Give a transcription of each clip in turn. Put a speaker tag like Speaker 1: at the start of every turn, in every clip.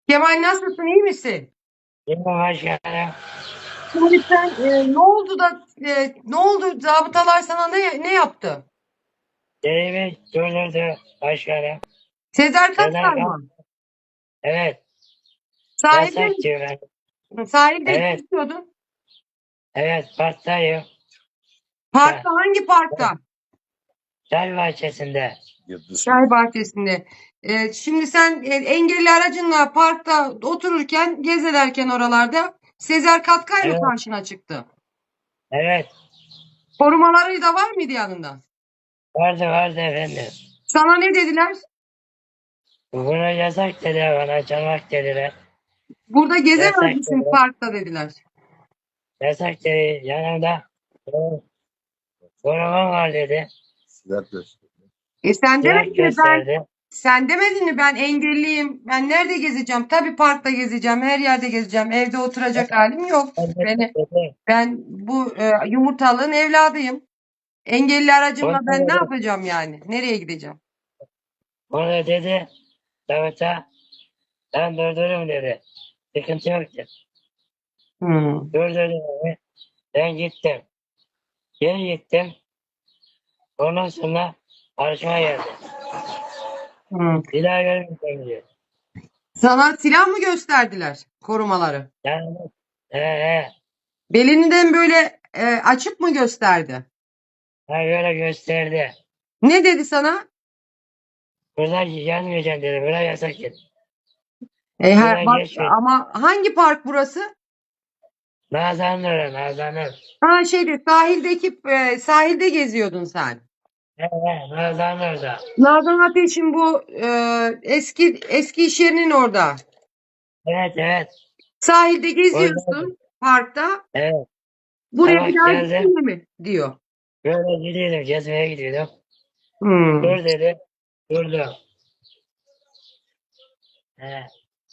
Speaker 1: Kemal nasılsın, iyi misin?
Speaker 2: Yine başkanım.
Speaker 1: Şimdi sen ne oldu da ne oldu? Zabıtalar sana ne yaptı?
Speaker 2: Derimi durdurdu başkanım.
Speaker 1: Sezer
Speaker 2: Sezer
Speaker 1: Katkay
Speaker 2: Kan.
Speaker 1: mı?
Speaker 2: Evet.
Speaker 1: Sahilde
Speaker 2: Yasak diyor ben.
Speaker 1: sahilde
Speaker 2: Evet.
Speaker 1: geziyordun.
Speaker 2: Evet. Parktayım.
Speaker 1: Parkta, hangi parkta?
Speaker 2: Çay bahçesinde.
Speaker 1: Çay bahçesinde. Şimdi sen engelli aracınla parkta otururken, gezelerken oralarda Sezer Katkay mı
Speaker 2: Evet.
Speaker 1: karşına çıktı?
Speaker 2: Evet.
Speaker 1: Korumaları da var mıydı yanında?
Speaker 2: Vardı efendim.
Speaker 1: Sana ne dediler?
Speaker 2: Buna yasak dediler bana. Çalmak dediler.
Speaker 1: Burada gezemez
Speaker 2: Yasak
Speaker 1: misin
Speaker 2: dediler.
Speaker 1: parkta dediler.
Speaker 2: Yasak dedi. Yanımda korumam var dedi.
Speaker 1: Sen
Speaker 2: Silah
Speaker 1: demedin mi
Speaker 2: gösterdi.
Speaker 1: sen demedin mi ben engelliyim. Ben nerede gezeceğim? Tabii parkta gezeceğim. Her yerde gezeceğim. Evde oturacak halim yok.
Speaker 2: Ben de
Speaker 1: Beni
Speaker 2: dedi.
Speaker 1: ben bu yumurtalığın evladıyım. Engelli aracımla ben ne
Speaker 2: Onu dedi.
Speaker 1: yapacağım yani? Nereye gideceğim?
Speaker 2: Onu dedi. Davut'a ben durdururum dedi. Sıkıntı yok dedi.
Speaker 1: Hmm.
Speaker 2: Durdurdum beni. Ben gittim. Geri gittim. Ondan sonra karşıma geldi.
Speaker 1: Hmm.
Speaker 2: Bir daha görmeyeceğim diyor.
Speaker 1: Sana silah mı gösterdiler korumaları?
Speaker 2: Yani he,
Speaker 1: Belinden böyle açıp mı gösterdi?
Speaker 2: ha böyle gösterdi.
Speaker 1: Ne dedi sana?
Speaker 2: Buradan gelmeyeceğim dedi. Bura yasak dedi. Buradan
Speaker 1: Bak
Speaker 2: geçmeyeceğim.
Speaker 1: ama hangi park burası?
Speaker 2: Nazan'ın orada, Nazan'ın.
Speaker 1: Ha sahildeki sahilde geziyordun sen.
Speaker 2: Nazan'ın orada.
Speaker 1: Nazan Ateş'in bu eski iş yerinin orada.
Speaker 2: Evet.
Speaker 1: Sahilde
Speaker 2: Orada.
Speaker 1: geziyorsun parkta.
Speaker 2: Evet.
Speaker 1: Buraya bir
Speaker 2: Sabah
Speaker 1: daha
Speaker 2: geldim.
Speaker 1: gittin mi diyor.
Speaker 2: Böyle gidiyordum. Gezmeye gidiyordum.
Speaker 1: Hmm.
Speaker 2: Dur dedi. Durdum. He.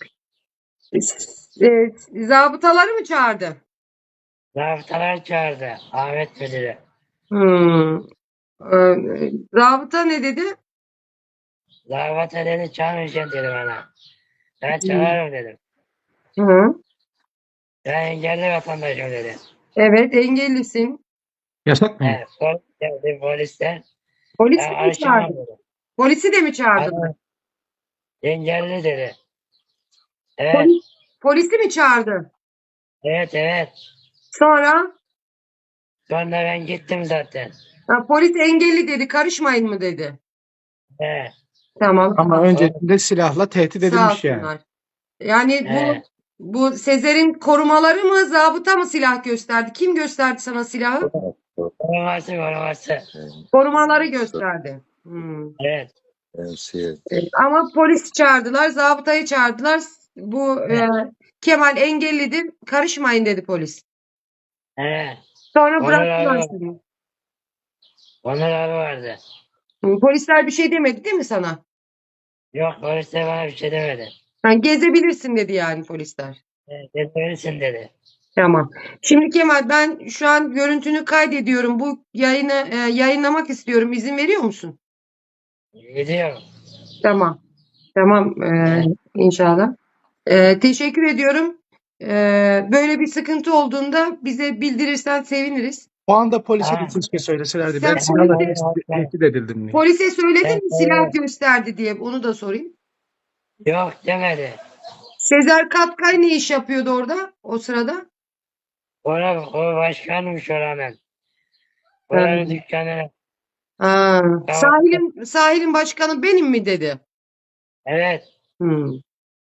Speaker 1: Zabıtaları mı çağırdı?
Speaker 2: Zabıtalar çağırdı. Ahmet Müdürü.
Speaker 1: Hmm. E, Zabıta ne dedi?
Speaker 2: Zabıta dedi çalmayacaksın dedi bana. Ben
Speaker 1: Hmm.
Speaker 2: çalarım dedim.
Speaker 1: Hı.
Speaker 2: Ben engelli vatandaşım dedi.
Speaker 1: Evet, engellisin.
Speaker 3: Yasak mı?
Speaker 2: Polis geldi polisler.
Speaker 1: Polis
Speaker 2: Ben
Speaker 1: mi
Speaker 2: karışamam
Speaker 1: çağırdı?
Speaker 2: dedi.
Speaker 1: Polisi de mi çağırdılar?
Speaker 2: Adam engelli dedi. Evet.
Speaker 1: Polisi mi çağırdı?
Speaker 2: Evet.
Speaker 1: Sonra
Speaker 2: Sonra ben gittim zaten.
Speaker 1: polis engelli dedi, karışmayın mı dedi.
Speaker 2: He.
Speaker 1: Tamam,
Speaker 3: Ama
Speaker 2: O,
Speaker 3: öncesinde silahla tehdit
Speaker 1: sağ
Speaker 3: edilmiş yani.
Speaker 1: olsunlar. Yani
Speaker 2: he.
Speaker 1: bu Sezer'in korumaları mı, zabıta mı silah gösterdi? Kim gösterdi sana silahı?
Speaker 2: Koruması.
Speaker 1: Korumaları gösterdi. Hmm.
Speaker 2: Evet.
Speaker 1: Ama polis çağırdılar, zabıtayı çağırdılar. Bu
Speaker 2: He.
Speaker 1: Kemal engellidir, karışmayın dedi polis.
Speaker 2: He.
Speaker 1: Sonra
Speaker 2: Onur abi
Speaker 1: bıraktılar
Speaker 2: var.
Speaker 1: seni.
Speaker 2: Onur abi vardı.
Speaker 1: Polisler bir şey demedi değil mi sana?
Speaker 2: Yok polis de bana bir şey demedi.
Speaker 1: Yani gezebilirsin dedi yani polisler.
Speaker 2: Gitmelisin dedi.
Speaker 1: Tamam. Şimdi Kemal ben şu an görüntünü kaydediyorum. Bu yayını yayınlamak istiyorum. İzin veriyor musun?
Speaker 2: Gidiyorum.
Speaker 1: Tamam. Tamam
Speaker 2: He.
Speaker 1: inşallah. Teşekkür ediyorum. Böyle bir sıkıntı olduğunda bize bildirirsen seviniriz.
Speaker 3: O anda polise de
Speaker 2: Ha.
Speaker 3: keşke söyleselerdi. Ben
Speaker 1: Sen
Speaker 3: silahla
Speaker 1: polise,
Speaker 3: tehdit edildim diye.
Speaker 1: polise söyledin mi silah
Speaker 2: Evet.
Speaker 1: gösterdi diye onu da sorayım.
Speaker 2: Yok demedi.
Speaker 1: Sezer Katkay ne iş yapıyordu orada o sırada?
Speaker 2: O başkanmış oranın.
Speaker 1: Ha.
Speaker 2: Oranın dükkanı.
Speaker 1: Ha.
Speaker 2: Tamam.
Speaker 1: Sahilin başkanı benim mi dedi?
Speaker 2: Evet.
Speaker 1: Hmm.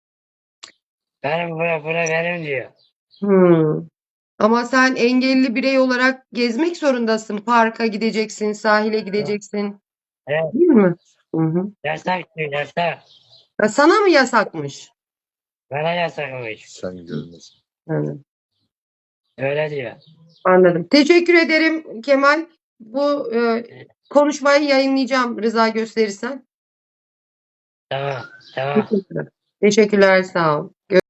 Speaker 2: Bura benim diyor.
Speaker 1: Hmm. Ama sen engelli birey olarak gezmek zorundasın. Parka gideceksin, sahile gideceksin.
Speaker 2: Evet.
Speaker 1: Değil mi? Hı hı.
Speaker 2: Yasak diyor yasak.
Speaker 1: Ha, sana mı yasakmış?
Speaker 2: Bana yasakmış.
Speaker 1: Hı,
Speaker 2: Öyle diyor.
Speaker 1: anladım. Teşekkür ederim Kemal. Bu konuşmayı yayınlayacağım rıza gösterirsen.
Speaker 2: Tamam.
Speaker 1: Teşekkürler. Teşekkürler, sağ ol.